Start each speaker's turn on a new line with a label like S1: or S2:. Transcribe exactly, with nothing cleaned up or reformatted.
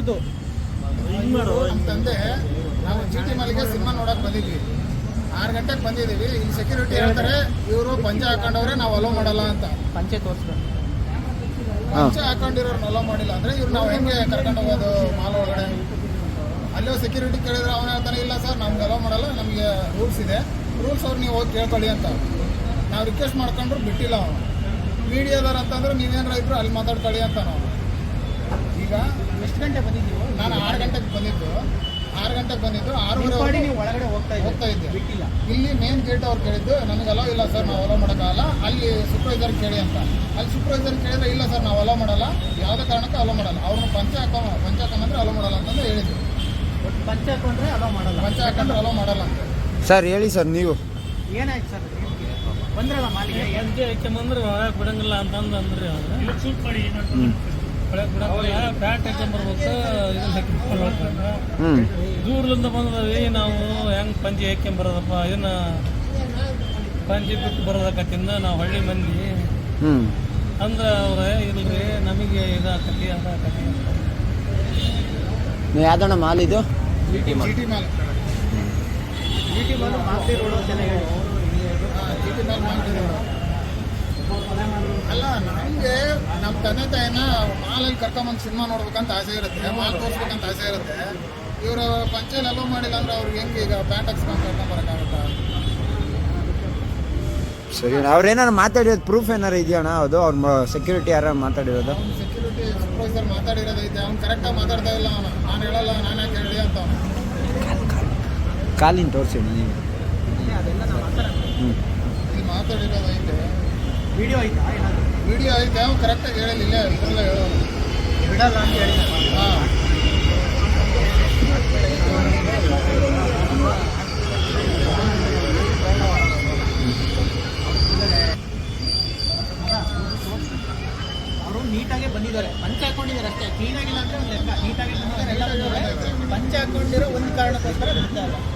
S1: ಇವ್ರದ್ದು
S2: ನಮ್ಮ ತಂದೆ ನಾವು ಜಿ ಟಿ ಮಾಲಿಗೆ ಸಿನಿಮಾ ನೋಡಕ್ ಬಂದಿದ್ವಿ. ಆರು ಗಂಟೆಗೆ ಬಂದಿದ್ದೀವಿ. ಇಲ್ಲಿ ಸೆಕ್ಯೂರಿಟಿ ಹೇಳ್ತಾರೆ ಇವರು ಪಂಚೆ ಹಾಕೊಂಡವ್ರೆ ನಾವು ಅಲೋ ಮಾಡಲ್ಲ ಅಂತ.
S1: ಪಂಚೆ ತೋರಿಸ್ತಾರೆ.
S2: ಪಂಚೆ ಹಾಕೊಂಡಿರೋರ್ನ ಅಲೋ ಮಾಡಿಲ್ಲ ಅಂದ್ರೆ ಇವ್ರು ನಾವು ಹೆಂಗೆ ಕರ್ಕೊಂಡು ಹೋಗೋದು ಮಾಲ್ ಒಳಗಡೆ? ಅಲ್ಲೋ ಸೆಕ್ಯೂರಿಟಿ ಕೇಳಿದ್ರೆ ಅವನು ಹೇಳ್ತಾನೆ ಇಲ್ಲ ಸರ್ ನಮ್ಗೆ ಅಲೋ ಮಾಡಲ್ಲ, ನಮಗೆ ರೂಲ್ಸ್ ಇದೆ, ರೂಲ್ಸ್ ಅವ್ರು ನೀವು ಹೋಗಿ ಕೇಳ್ಕೊಳ್ಳಿ ಅಂತ. ನಾವು ರಿಕ್ವೆಸ್ಟ್ ಮಾಡ್ಕೊಂಡ್ರು ಬಿಟ್ಟಿಲ್ಲ ಅವನು. ಮೀಡಿಯಾದವ್ರು ಅಂತಂದ್ರೆ ನೀವೇನಾರ ಇದ್ರು ಅಲ್ಲಿ ಮಾತಾಡ್ಕೊಳ್ಳಿ ಅಂತ ನಾವು. ಈಗ
S1: ಎಷ್ಟು ಗಂಟೆ ಬಂದಿದ್ದೀವಿ?
S2: ನಾನು ಆರು ಗಂಟೆಗೆ ಬಂದಿದ್ದು ಆರು ಗಂಟೆಗೆ ಬಂದಿದ್ದು ಆರೂವರೆ
S1: ನೀವು ಒಳಗಡೆ ಹೋಗ್ತಾ
S2: ಹೋಗ್ತಾ ಇದ್ದೆ.
S1: ಬಿಟ್ಟಿಲ್ಲ.
S2: ಇಲ್ಲಿ ಮೇನ್ ಗೇಟ್ ಅವ್ರು ಕೇಳಿದ್ದು ನಮಗೆ ಅಲೋ ಇಲ್ಲ ಸರ್ ನಾವು ಅಲೋ ಮಾಡೋಕ್ಕಾಗಲ್ಲ, ಅಲ್ಲಿ ಸೂಪರ್ವೈಸರ್ ಕೇಳಿ ಅಂತ. ಅಲ್ಲಿ ಸೂಪರ್ವೈಸರ್ ಕೇಳಿದ್ರೆ ಇಲ್ಲ ಸರ್ ನಾವು ಅಲೋ ಮಾಡಲ್ಲ, ಯಾವುದೇ ಕಾರಣಕ್ಕೂ ಅಲೋ ಮಾಡಲ್ಲ, ಅವ್ರನ್ನ ಪಂಚೆ ಹಾಕೋ ಪಂಚೆ ಹಾಕೊಂಡ್ರೆ ಅಲೋ ಮಾಡಲ್ಲ ಅಂತಂದು ಹೇಳಿದ್ರು.
S1: ಪಂಚೆ ಹಾಕೊಂಡ್ರೆ ಅಲೋ ಮಾಡಲ್ಲ,
S2: ಪಂಚೆ ಹಾಕೊಂಡ್ರೆ ಅಲೋ ಮಾಡಲ್ಲ ಅಂತ.
S3: ಸರ್ ಹೇಳಿ ಸರ್ ನೀವು
S1: ಏನಾಯ್ತು ಸರ್? ಬಂದ್ರಲ್ಲ ಮಾಲಿಗೆ
S4: ಪಂಚೆ ಹಾಕ್ಯಂಬಂದ್ರೆ ಒಳಗೆ ಬಿಡಂಗಿಲ್ಲ ಅಂತಂದು ಅಂದ್ರಿ ಅವ್ರು. ಶೂಟ್ ಮಾಡಿ ಒಳಗೆ ಬಿಡಂಗಿಲ್ಲ, ಪ್ಯಾಂಟ್ ಹಾಕ್ಯಂಬರ್ಬೇಕು, ಇದನ್ನ ಹಾಕ್ಯಂಬರ್ಬೇಕು.
S3: ಹ್ಞೂ
S4: ದೂರದಿಂದ ಬಂದದವಿ ನಾವು ಹೆಂಗೆ ಪಂಚೆ ಹಾಕ್ಯಂಬರೋದಪ್ಪ, ಇದನ್ನ ಪಂಚೆ ಬಿಟ್ಟು ಬರೋದಕ್ಕತ್ತಿಂದ ನಾವು ಹಳ್ಳಿ ಮಂದಿ
S3: ಹ್ಞೂ
S4: ಅಂದ್ರೆ ಅವ್ರೆ ಇಲ್ರಿ ನಮಗೆ ಇದಾಕತಿ ಅದಾಕತಿ ಅಂತ.
S3: ನೀವು ಯಾವ್ದಣ್ಣ ಮಾಲ್ ಇದು?
S2: G T mall.
S1: G T mall Masti road ಅಂತೆಲ್ಲ ಹೇಳಿ.
S2: ಜಿ ಟಿ ಮಾಲ್ ಮಾಡ್ತಿದ್ರು. ಅಲ್ಲ ನಮಗೆ ನಮ್ಮ ತಂದೆ ತಾಯಿನ ಮಾಲಲ್ಲಿ ಕರ್ಕೊಂಬಂದು ಸಿನಿಮಾ ನೋಡ್ಬೇಕಂತ ಆಸೆ ಇರುತ್ತೆ, ಮಾಲ್ ತೋರಿಸ್ಬೇಕಂತ ಆಸೆ ಇರುತ್ತೆ. ಇವರು ಪಂಚೆಯಲ್ಲಿ ಅಲೋ ಮಾಡಿಲ್ಲ ಅಂದ್ರೆ ಅವ್ರಿಗೆ ಹೆಂಗೆ ಈಗ ಪ್ಯಾಂಟ್ ಹಾಕ್ಸ್ಕೊಂಡು ಕರ್ಕೊಂಬರೋಕ್ಕಾಗುತ್ತಾ?
S3: ಸರಿ ಅವ್ರೇನಾರು ಮಾತಾಡಿರೋದು ಪ್ರೂಫ್ ಏನಾರು ಇದೆಯಣ್ಣ? ಅದು ಅವ್ರ ಸೆಕ್ಯೂರಿಟಿ ಯಾರು ಮಾತಾಡಿರೋದು?
S2: ಅವ್ನು ಸೆಕ್ಯೂರಿಟಿ ಸೂಪರ್ವೈಸರ್ ಮಾತಾಡಿರೋದೈತೆ, ಅವ್ನು ಕರೆಕ್ಟಾಗಿ ಮಾತಾಡ್ತಾ ಇಲ್ಲ. ಅವನು ನಾನು ಹೇಳಲ್ಲ ನಾನು ಯಾಕೆ ಹೇಳಿ ಅಂತ ಅವನು.
S3: ಕಾಲಿನ ತೋರಿಸಿ ನೀವು.
S1: ಅದೆಲ್ಲ ನಾವು ಮಾತಾಡೋಣ.
S3: ಹ್ಞೂ
S2: ಇಲ್ಲಿ ಮಾತಾಡಿರೋದೈತೆ,
S1: ವಿಡಿಯೋ ಐತಾ ಏನಾದರೂ?
S2: ವಿಡಿಯೋ ಐತೆ, ಅವ್ನು ಕರೆಕ್ಟಾಗಿ ಹೇಳಿಲ್ಲ, ಇದರಲ್ಲ ಹೇಳೋನು
S1: ಬಿಡಲ್ಲ ಅಂತ ಹೇಳಿ.
S2: ಹಾಂ
S1: ಅವರು ನೀಟಾಗೆ ಬಂದಿದ್ದಾರೆ, ಪಂಚೆ ಹಾಕೊಂಡಿದ್ದಾರೆ ಅಷ್ಟೇ, ಕ್ಲೀನ್ ಆಗಿಲ್ಲ ಅಂದ್ರೆ ಒಂದು ಲೆಕ್ಕ. ನೀಟಾಗಿ ಬಂದಿದ್ದಾರೆ, ಎಲ್ಲ ಬಂದಿದ್ದಾರೆ. ಪಂಚೆ ಹಾಕೊಂಡಿರೋ ಒಂದು ಕಾರಣಕ್ಕೋಸ್ಕರ ಬಿಡ್ತಾ ಇಲ್ಲ.